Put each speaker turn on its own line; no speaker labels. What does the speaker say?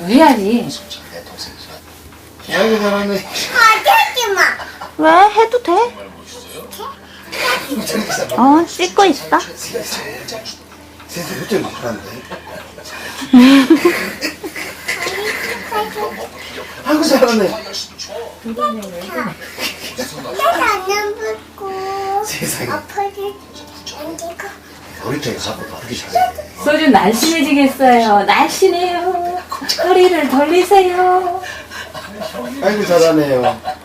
해야지.
아이고 잘하네.
하지 마.
왜? 해도 돼? 씻고 있어.
세상 그때 막 그런데. 아이고 잘하네.
나안 붙고.
세상에.
아빠를 안지고.
우리 쪽에 가보고 그렇게 잘해.
소주 날씬해지겠어요. 날씬해요. 허리를 돌리세요.
아이고 잘하네요.